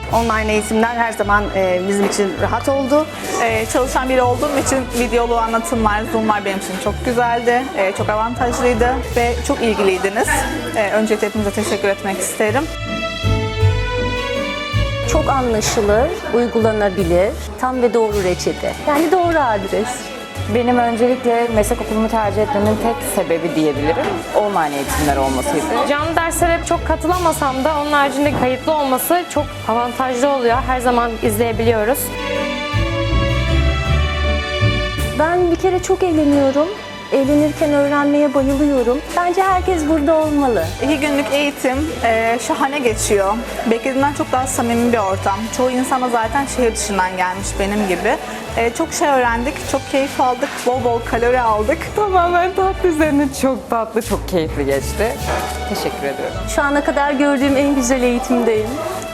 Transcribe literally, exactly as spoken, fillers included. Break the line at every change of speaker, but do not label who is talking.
Online eğitimler her zaman e, bizim için rahat oldu.
Ee, çalışan biri olduğum için videolu anlatımlar, Zoom'lar benim için çok güzeldi, ee, çok avantajlıydı ve çok ilgiliydiniz. Ee, öncelikle hepinize teşekkür etmek isterim.
Çok anlaşılır, uygulanabilir, tam ve doğru reçete. Yani doğru adres.
Benim öncelikle meslek okulumu tercih etmemin tek sebebi diyebilirim online eğitimler olmasıydı.
Canlı derslere çok katılamasam da onun haricinde kayıtlı olması çok avantajlı oluyor. Her zaman izleyebiliyoruz.
Ben bir kere çok eğleniyorum. Eğlenirken öğrenmeye bayılıyorum. Bence herkes burada olmalı.
İki günlük eğitim e, şahane geçiyor. Beklediğimden çok daha samimi bir ortam. Çoğu insana zaten şehir dışından gelmiş benim gibi. E, çok şey öğrendik, çok keyif aldık, bol bol kalori aldık.
Tamamen tatlı üzerine çok tatlı, çok keyifli geçti. Teşekkür ediyorum.
Şu ana kadar gördüğüm en güzel eğitimdeyim.